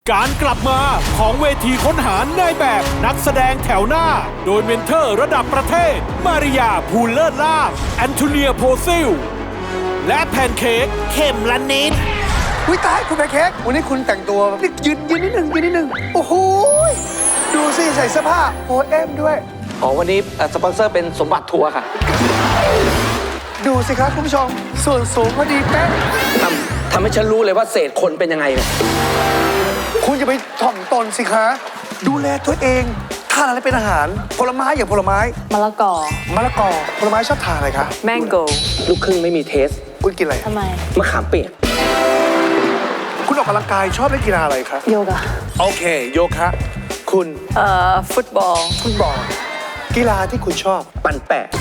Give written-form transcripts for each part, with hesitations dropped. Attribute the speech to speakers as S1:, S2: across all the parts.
S1: การกลับมาของเวทีค้นหานายแบบนักแสดงแถวหน้า โดยเมนเทอร์ระดับประเทศ มาริยาภูลเลิศลาภแอนโทเนียโพซิล และแพนเค้กเข็มละนิด
S2: อุ้ยตายคุณแพนเค้กวันนี้คุณแต่งตัวนี่ยืนนิดนึงยืนนิดนึงโอ้โหดูสิใส่เสื้อผ้าโอเอ็มด้วย
S3: อ๋อวันนี้สปอนเซอร์เป็นสมบัติทัวร์ค่ะ
S2: ดูสิครับคุณผู้ชมส่วนสูงพอดีเป๊ะ
S3: ทำให้ฉันรู้เลยว่าเศษคนเป็นยังไงเนี่ย
S2: คุณจะไปถ่อมตนสิคะ ดูแลตัวเองทานอะไรเป็นอาหารผลไม้อย่างผลไม้
S4: มะละกอ
S2: มะละกอผลไม้ชอบทานอะไรคะ
S4: แมงโก
S3: ลูกครึ่งไม่มีเทส
S2: คุณกินอะไร
S4: ทำไม
S3: มะขามเปียก
S2: คุณออกกำลังกายชอบเล่นกีฬาอะไรคะ
S4: โยกะ
S2: โอเคโยคะคุณ
S4: ฟุตบอล
S2: ฟุตบอลกีฬาที่คุณชอบ
S3: ปั่นแปะ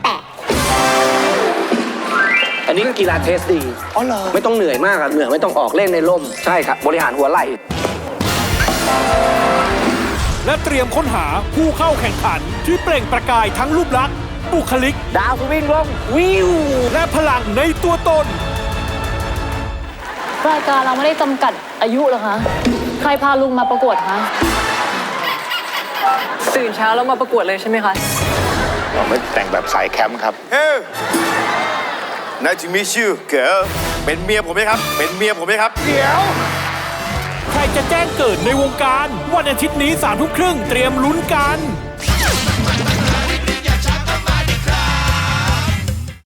S3: อันนี้กีฬาเทสดี
S2: อ๋อเหรอ
S3: ไม่ต้องเหนื่อยมากอะเหนื่อยไม่ต้องออกเล่นในร่ม ใช่ครับ บริหารหัวไหล่
S1: และเตรียมค้นหาผู้เข้าแข่งขันที่เปล่งประกายทั้งรูปลักษณ์บุคลิก
S3: ดาวสวิงลงวิว
S1: และพลังในตัวตน
S4: รายการเราไม่ได้จำกัดอายุเหรอคะ ใครพาลุงมาประกวดคะตื่นเช้าแล้วมาประกวดเลยใช่ไหมคะ
S5: เราไม่แต่งแบบสายแคมป์ครับ
S6: เฮ้ยนายจิมิชื่อเก๋เป็นเมียผมไหมครับ เป็นเมียผมไหมครับ
S2: เดี๋ยว
S1: ใครจะแจ้งเกิดในวงการ วันอาทิตย์นี้3 ทุ่มครึ่งเตรียมลุ้นกัน